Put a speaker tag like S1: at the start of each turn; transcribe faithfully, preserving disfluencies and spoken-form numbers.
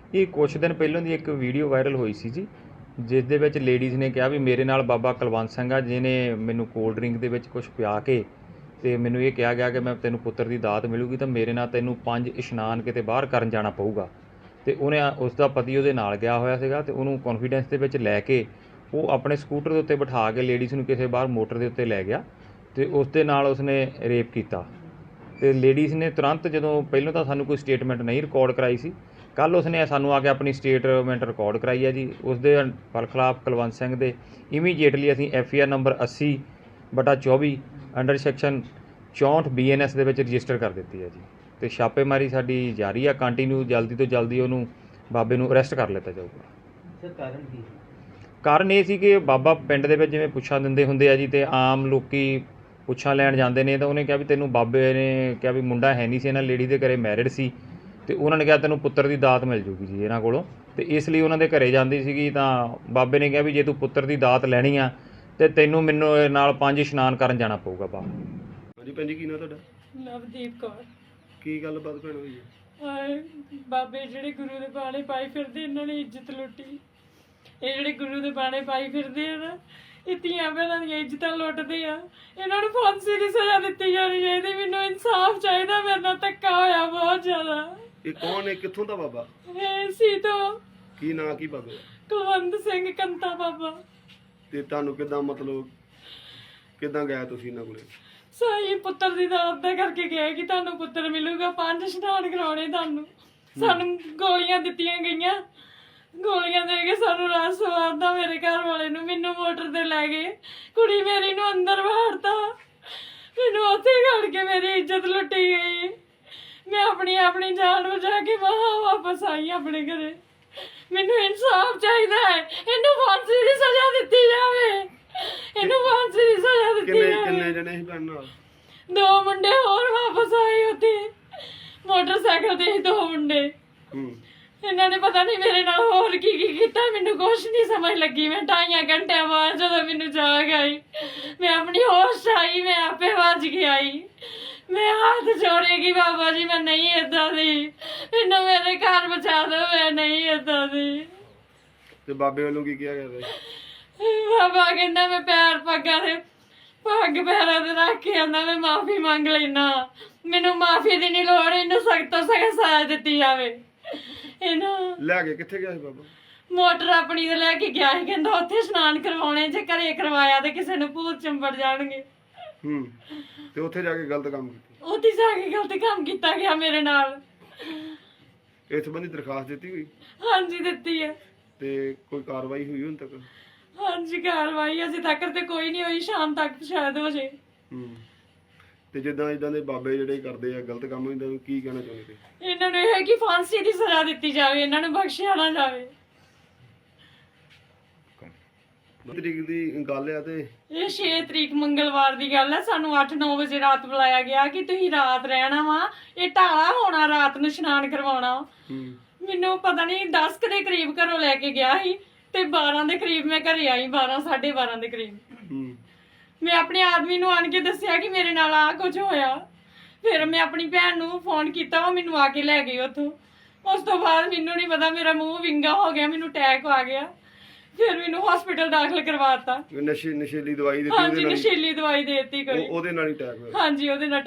S1: ਇਹ ਕੁਛ ਦਿਨ ਪਹਿਲਾਂ ਦੀ ਇੱਕ ਵੀਡੀਓ ਵਾਇਰਲ ਹੋਈ ਸੀ ਜੀ, ਜਿਸ ਦੇ ਵਿੱਚ ਲੇਡੀਜ਼ ਨੇ ਕਿਹਾ ਵੀ ਮੇਰੇ ਨਾਲ ਬਾਬਾ ਕੁਲਵੰਤ ਸਿੰਘ ਆ, ਜਿਹਨੇ ਮੈਨੂੰ ਕੋਲਡ ਡਰਿੰਕ ਦੇ ਵਿੱਚ ਕੁਛ ਪਿਆ ਕੇ ਅਤੇ ਮੈਨੂੰ ਇਹ ਕਿਹਾ ਗਿਆ ਕਿ ਮੈਂ ਤੈਨੂੰ ਪੁੱਤਰ ਦੀ ਦਾਤ ਮਿਲੂਗੀ ਤਾਂ ਮੇਰੇ ਨਾਲ ਤੈਨੂੰ ਪੰਜ ਇਸ਼ਨਾਨ ਕਿਤੇ ਬਾਹਰ ਕਰਨ ਜਾਣਾ ਪਊਗਾ। ਅਤੇ ਉਹਨੇ ਉਸ ਦਾ ਪਤੀ ਉਹਦੇ ਨਾਲ ਗਿਆ ਹੋਇਆ ਸੀਗਾ ਅਤੇ ਉਹਨੂੰ ਕੌਨਫੀਡੈਂਸ ਦੇ ਵਿੱਚ ਲੈ ਕੇ ਉਹ ਆਪਣੇ ਸਕੂਟਰ ਦੇ ਉੱਤੇ ਬਿਠਾ ਕੇ ਲੇਡੀਜ਼ ਨੂੰ ਕਿਸੇ ਬਾਹਰ ਮੋਟਰ ਦੇ ਉੱਤੇ ਲੈ ਗਿਆ ਅਤੇ ਉਸ ਦੇ ਨਾਲ ਉਸਨੇ ਰੇਪ ਕੀਤਾ। ਅਤੇ ਲੇਡੀਜ਼ ਨੇ ਤੁਰੰਤ, ਜਦੋਂ ਪਹਿਲਾਂ ਤਾਂ ਸਾਨੂੰ ਕੋਈ ਸਟੇਟਮੈਂਟ ਨਹੀਂ ਰਿਕਾਰਡ ਕਰਾਈ ਸੀ, ਕੱਲ੍ਹ ਉਸਨੇ ਸਾਨੂੰ ਆ ਕੇ ਆਪਣੀ ਸਟੇਟਮੈਂਟ ਰਿਕਾਰਡ ਕਰਾਈ ਹੈ ਜੀ। ਉਸ ਦੇ ਖਿਲਾਫ ਕੁਲਵੰਤ ਸਿੰਘ ਦੇ ਇਮੀਡੀਏਟਲੀ ਅਸੀਂ ਐਫ ਆਈ ਆਰ ਨੰਬਰ ਅੱਸੀ ਬਟਾ ਚੌਵੀ ਅੰਡਰ ਸੈਕਸ਼ਨ ਚੌਂਹਠ ਬੀ ਐਨ ਐਸ ਦੇ ਵਿੱਚ ਰਜਿਸਟਰ ਕਰ ਦਿੱਤੀ ਹੈ ਜੀ। ਅਤੇ ਛਾਪੇਮਾਰੀ ਸਾਡੀ ਜਾਰੀ ਆ ਕੰਟੀਨਿਊ, ਜਲਦੀ ਤੋਂ ਜਲਦੀ ਉਹਨੂੰ ਬਾਬੇ ਨੂੰ ਅਰੈਸਟ ਕਰ ਲਿੱਤਾ ਜਾਊਗਾ।
S2: ਸਰ ਕਾਰਨ ਕੀ?
S1: ਕਾਰਨ ਇਹ ਸੀ ਕਿ ਬਾਬਾ ਪਿੰਡ ਦੇ ਵਿੱਚ ਜਿਵੇਂ ਪੁੱਛਾਂ ਦਿੰਦੇ ਹੁੰਦੇ ਆ ਜੀ, ਅਤੇ ਆਮ ਲੋਕੀ ਪੁੱਛਾਂ ਲੈਣ ਜਾਂਦੇ ਨੇ, ਤਾਂ ਉਹਨੇ ਕਿਹਾ ਵੀ ਤੈਨੂੰ, ਬਾਬੇ ਨੇ ਕਿਹਾ ਵੀ ਮੁੰਡਾ ਹੈ ਨਹੀਂ ਸੀ ਇਹਨਾਂ ਲੇਡੀ ਦੇ ਘਰੇ, ਮੈਰਿਡ ਸੀ, ਅਤੇ ਉਹਨਾਂ ਨੇ ਕਿਹਾ ਤੈਨੂੰ ਪੁੱਤਰ ਦੀ ਦਾਤ ਮਿਲ ਜੂਗੀ ਜੀ ਇਹਨਾਂ ਕੋਲੋਂ। ਅਤੇ ਇਸ ਲਈ ਉਹਨਾਂ ਦੇ ਘਰੇ ਜਾਂਦੀ ਸੀਗੀ, ਤਾਂ ਬਾਬੇ ਨੇ ਕਿਹਾ ਵੀ ਜੇ ਤੂੰ ਪੁੱਤਰ ਦੀ ਦਾਤ ਲੈਣੀ ਆ ਅਤੇ ਤੈਨੂੰ ਮੈਨੂੰ ਨਾਲ ਪੰਜ ਇਸ਼ਨਾਨ ਕਰਨ ਜਾਣਾ ਪਊਗਾ ਬਾਬਾ।
S3: ਹਾਂਜੀ ਭੈਣ ਜੀ, ਕੀ ਨਾਂ ਤੁਹਾਡਾ?
S4: ਨਵਦੀਪ ਕੌਰ।
S3: ਕੀ ਗੱਲਬਾਤ ਭੈਣ ਹੋਈ ਹੈ?
S4: ਹਾਏ ਬਾਬੇ ਜਿਹੜੇ ਗੁਰੂ ਦੇ ਬਾਣੇ ਪਾਈ ਫਿਰਦੇ, ਇਹਨਾਂ ਨੇ ਇੱਜ਼ਤ ਲੁੱਟੀ। ਇਹ ਜਿਹੜੇ ਗੁਰੂ ਦੇ ਬਾਣੇ ਪਾਈ ਫਿਰਦੇ ਆ ਨਾ, ਇਹ ਧੀਆਂ ਭੈਣਾਂ ਦੀਆਂ ਇੱਜ਼ਤਾਂ ਲੁੱਟਦੇ ਆ। ਇਹਨਾਂ ਨੂੰ ਫਾਂਸੀ ਦੀ ਸਜ਼ਾ ਦਿੱਤੀ ਜਾਣੀ ਚਾਹੀਦੀ। ਮੈਨੂੰ ਇਨਸਾਫ ਚਾਹੀਦਾ, ਮੇਰੇ ਨਾਲ ਧੱਕਾ ਹੋਇਆ ਬਹੁਤ ਜ਼ਿਆਦਾ।
S3: ਇਹ ਕੌਣ ਹੈ, ਕਿੱਥੋਂ ਦਾ ਬਾਬਾ?
S4: ਇਹ ਸੀ ਤੋਂ
S3: ਕੀ ਨਾਂ ਕੀ ਬਾਬਾ?
S4: ਕੁਲਵੰਤ ਸਿੰਘ ਕੰਤਾ ਬਾਬਾ।
S3: ਤੇ ਤੁਹਾਨੂੰ ਕਿੱਦਾਂ, ਮਤਲਬ ਕਿੱਦਾਂ ਗਿਆ ਤੁਸੀਂ ਇਹਨਾਂ ਕੋਲੇ?
S4: ਸਹੀ ਪੁੱਤਰ ਦੀ ਦਾਤ ਦਾ ਕਰਕੇ ਗਏ ਕਿ ਤੁਹਾਨੂੰ ਪੁੱਤਰ ਮਿਲੂਗਾ, ਪੰਜ ਇਸ਼ਨਾਨ ਕਰਾਉਣੇ ਤੁਹਾਨੂੰ। ਸਾਨੂੰ ਗੋਲੀਆਂ ਦਿੱਤੀਆਂ ਗਈਆਂ, ਗੋਲੀਆਂ ਦੇ ਕੇ ਸਾਨੂੰ ਰਾਤ ਸਵਾਰਦਾ ਮੇਰੇ ਘਰ ਵਾਲੇ ਨੂੰ। ਮੈਨੂੰ ਮੋਟਰ ਤੇ ਲੈ ਗਏ, ਕੁੜੀ ਮੇਰੀ ਨੂੰ ਅੰਦਰ ਵਾੜਤਾ, ਮੈਨੂੰ ਉੱਥੇ ਖੜ ਕੇ ਮੇਰੀ ਇੱਜ਼ਤ ਲੁੱਟੀ ਗਈ। ਮੈਂ ਆਪਣੀ ਆਪਣੀ ਜਾਨ ਬਚਾ ਕੇ ਬਾਹਰ ਵਾਪਸ ਆਈ ਆਪਣੇ ਘਰੇ। ਮੈਨੂੰ ਇਨਸਾਫ ਚਾਹੀਦਾ ਹੈ, ਇਹਨੂੰ ਫਾਂਸੀ ਦੀ ਸਜ਼ਾ ਦਿੱਤੀ ਜਾਵੇ, ਇਹਨੂੰ ਫਾਂਸੀ ਦੀ ਸਜ਼ਾ ਦਿੱਤੀ
S3: ਕਿੰਨੇ
S4: ਜਾਵੇ।
S3: ਕਿੰਨੇ ਜਣੇ ਸੀ ਭੈਣ ਨਾਲ?
S4: ਦੋ ਮੁੰਡੇ ਹੋਰ ਵਾਪਸ ਆਏ ਉੱਥੇ, ਮੋਟਰਸਾਈਕਲ ਤੇ ਦੋ ਮੁੰਡੇ।
S3: ਹੂੰ।
S4: ਇਹਨਾਂ ਨੇ ਪਤਾ ਨਹੀਂ ਮੇਰੇ ਨਾਲ ਹੋਰ ਕੀ ਕੀ ਕੀਤਾ, ਮੈਨੂੰ ਕੁਛ ਨਹੀਂ ਸਮਝ ਲੱਗੀ। ਮੈਂ ਢਾਈਆਂ ਘੰਟਿਆਂ ਬਾਅਦ ਜਦੋਂ ਮੈਨੂੰ ਜਾਗ ਆਈ, ਮੈਂ ਆਪਣੀ ਹੋਸ਼ ਆਈ, ਮੈਂ ਆਪੇ ਵੱਜ ਕੇ ਆਈ। ਮੈਂ ਹੱਥ ਜੋੜੇਗੀ, ਬਾਬਾ ਜੀ ਮੈਂ ਨਹੀਂ ਏਦਾਂ ਦੀ, ਮੈਨੂੰ ਮੇਰੇ ਘਰ ਬਚਾ ਦਿਓ, ਮੈਂ ਨਹੀਂ ਏਦਾਂ ਦੀ।
S3: ਤੇ ਬਾਬੇ ਵੱਲੋਂ ਕੀ ਕਿਹਾ ਗਿਆ?
S4: ਬਾਬਾ ਕਹਿੰਦਾ ਮੈਂ ਪੈਰ ਪੱਗਾਂ ਦੇ ਪੱਗ ਪੈਰਾਂ ਤੇ ਰੱਖ ਕੇ ਆਂਦਾ, ਮੈਂ ਮਾਫੀ ਮੰਗ ਲੈਣਾ, ਮੈਨੂੰ ਮਾਫੀ ਦੀ ਨਹੀਂ ਲੋੜ, ਇਹਨੂੰ ਸਖਤ ਤੋਂ ਸਖਤ ਸਜ਼ਾ ਦਿੱਤੀ ਜਾਵੇ। ਇਹਨੂੰ
S3: ਲੈ ਕੇ ਕਿੱਥੇ ਗਿਆ ਸੀ ਬਾਬਾ?
S4: ਮੋਟਰ ਆਪਣੀ ਤੇ ਲੈ ਕੇ ਗਿਆ ਸੀ, ਕਹਿੰਦਾ ਉੱਥੇ ਇਸ਼ਨਾਨ ਕਰਵਾਉਣੇ, ਜੇ ਘਰੇ ਕਰਵਾਇਆ ਤੇ ਕਿਸੇ ਨੂੰ ਭੂਤ ਚੰਬੜ ਜਾਣਗੇ।
S3: ਹੂੰ। ਤੇ ਉੱਥੇ ਜਾ ਕੇ ਗਲਤ ਕੰਮ ਕੀਤਾ?
S4: ਉੱਥੇ ਜਾ ਕੇ ਗਲਤ ਕੰਮ ਕੀਤਾ ਗਿਆ ਮੇਰੇ ਨਾਲ।
S3: ਇਸ ਸੰਬੰਧੀ ਦਰਖਾਸਤ ਦਿੱਤੀ ਹੋਈ?
S4: ਹਾਂਜੀ ਦਿੱਤੀ ਹੈ।
S3: ਤੇ ਕੋਈ ਕਾਰਵਾਈ ਹੋਈ ਹੁਣ ਤੱਕ?
S4: ਹਾਂਜੀ ਕਾਰਵਾਈ ਅਜੇ ਤੱਕ ਤੇ ਕੋਈ ਨਹੀਂ ਹੋਈ, ਸ਼ਾਮ ਤੱਕ ਸ਼ਾਇਦ ਹੋ ਜੇ।
S3: ਹੂੰ। ਤੇ ਜਿੱਦਾਂ ਇਦਾਂ ਦੇ ਬਾਬੇ ਜਿਹੜੇ ਕਰਦੇ ਆ ਗਲਤ ਕੰਮ, ਇਹਨਾਂ ਨੂੰ ਕੀ ਕਹਿਣਾ ਚਾਹੁੰਦੇ?
S4: ਇਹਨਾਂ ਨੂੰ ਇਹ ਹੈ ਕਿ ਫਾਂਸੀ ਦੀ ਸਜ਼ਾ ਦਿੱਤੀ ਜਾਵੇ, ਇਹਨਾਂ ਨੂੰ ਬਖਸ਼ਿਆ ਨਾ ਜਾਵੇ।
S3: ਤਰੀਕ ਦੀ ਗੱਲ ਆ ਤੇ
S4: ਇਹ ਛੇ ਤਰੀਕ ਮੰਗਲਵਾਰ ਦੀ ਗੱਲ ਹੈ। ਸਾਨੂੰ ਅੱਠ ਨੌ ਵਜੇ ਰਾਤ ਬੁਲਾਇਆ ਗਿਆ ਕਿ ਤੁਸੀਂ ਰਾਤ ਰਹਿਣਾ ਵਾ, ਇਹ ਢਾਲਾ ਹੋਣਾ, ਰਾਤ ਨੂੰ ਇਸ਼ਨਾਨ ਕਰਵਾਉਣਾ।
S3: ਹੂੰ।
S4: ਮੈਨੂੰ ਪਤਾ ਨਹੀਂ ਦਸ ਕੁ ਦੇ ਕਰੀਬ ਘਰੋਂ ਲੈ ਕੇ ਗਿਆ ਸੀ ਤੇ ਬਾਰਾਂ ਦੇ ਕਰੀਬ ਮੈਂ ਘਰੇ ਆਈ, ਬਾਰਾਂ ਸਾਢੇ ਬਾਰਾਂ ਦੇ ਕਰੀਬ।
S3: ਹੂੰ।
S4: ਮੈਂ ਆਪਣੇ ਆਦਮੀ ਨੂੰ ਆਣ ਕੇ ਦੱਸਿਆ ਕਿ ਮੇਰੇ ਨਾਲ ਆ ਕੁਝ ਹੋਇਆ। ਫਿਰ ਮੈਂ ਆਪਣੀ ਭੈਣ ਨੂੰ ਫੋਨ ਕੀਤਾ, ਉਹ ਮੈਨੂੰ ਆ ਕੇ ਲੈ ਗਈ ਉੱਥੋਂ। ਉਸ ਤੋਂ ਬਾਅਦ ਮੈਨੂੰ ਨਹੀਂ ਪਤਾ, ਮੇਰਾ ਮੂੰਹ ਵਿੰਗਾ ਹੋ ਗਿਆ, ਮੈਨੂੰ ਅਟੈਕ ਆ ਗਿਆ। ਫਿਰ ਮੈਨੂੰ ਹਸਪੀਟਲ ਦਾਖਲ ਕਰਵਾਤਾ।
S3: ਨਸ਼ੇ ਨਸ਼ੀਲੀ ਦਵਾਈ ਦਿੱਤੀ?
S4: ਹਾਂਜੀ ਨਸ਼ੀਲੀ ਦਵਾਈ ਦੇ ਦਿੱਤੀ ਕੋਈ।
S3: ਉਹਦੇ ਨਾਲ ਹੀ ਅਟੈਕ ਹੋਇਆ?
S4: ਹਾਂਜੀ ਉਹਦੇ ਨਾਲ।